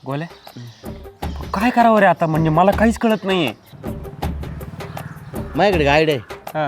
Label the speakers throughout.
Speaker 1: गोल्या काय करावं रे आता, म्हणजे मला काहीच कळत नाहीये.
Speaker 2: माझ्याकडे गाईड आहे.
Speaker 1: हा.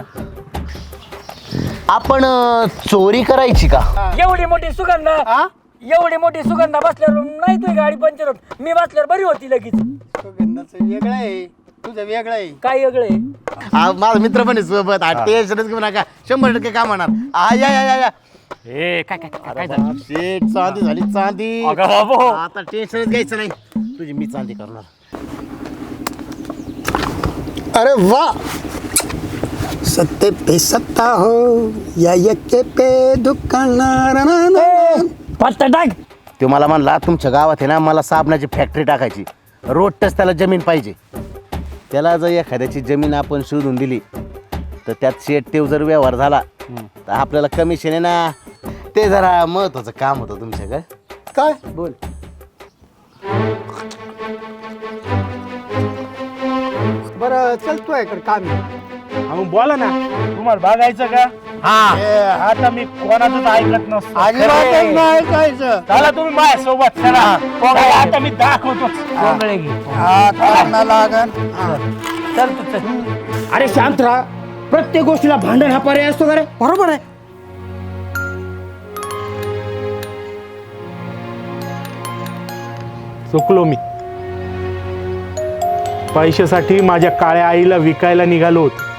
Speaker 2: आपण चोरी करायची का?
Speaker 3: एवढी मोठी सुगंधा बसल्यावर नाही तुझी गाडी पंक्चर होत. मी बसल्यावर बरी होती लगेच.
Speaker 4: सुगंधाचं वेगळं आहे, तुझं वेगळं आहे.
Speaker 3: काय वेगळे
Speaker 2: माझा मित्र पण आहे सोबत. टेन्शनच घेऊ नका, 100% काम होणार. या या या या.
Speaker 1: ए काय काय काय काय झालं?
Speaker 2: शेट, चांदी झाली चांदी.
Speaker 1: अगं बाबो.
Speaker 2: आता टेन्शनच घ्यायचं नाही, तुझी मी चांदी करणार.
Speaker 4: अरे वाह, सत्ते पे सत्ता हो या यक्के पे दुकानदार.
Speaker 3: पत्ता टाक.
Speaker 2: तो मला म्हणला तुमच्या गावात आहे ना, मला साबणाची फॅक्टरी टाकायची, रोडच त्याला जमीन पाहिजे. त्याला जर एखाद्याची जमीन आपण शोधून दिली तर त्यात शेट तेव जर व्यवहार झाला तर आपल्याला कमिशन आहे ना. ते जरा महत्वाचं काम होतं तुमच्याकडे.
Speaker 4: काय
Speaker 2: बोल.
Speaker 4: बरं चलतोय इकडे काम आहे.
Speaker 1: मग बोला ना, तुम्हाला बघायचं का? आता मी कोणाचंच ऐकत नसतो.
Speaker 4: अजिबातच नाही ऐकायचं.
Speaker 1: चला तुम्ही माझ्या सोबत चला. आता मी दाखवतो.
Speaker 3: कोंबळे घे.
Speaker 4: हा करणं लागन.
Speaker 3: चल तू चल.
Speaker 5: अरे शांत राहा, प्रत्येक गोष्टीला भांडण हा पर्याय असतो का रे?
Speaker 4: बरोबर आहे.
Speaker 6: चुकलो मी. पैशासाठी माझ्या काळ्या आईला विकायला निघालो होतो.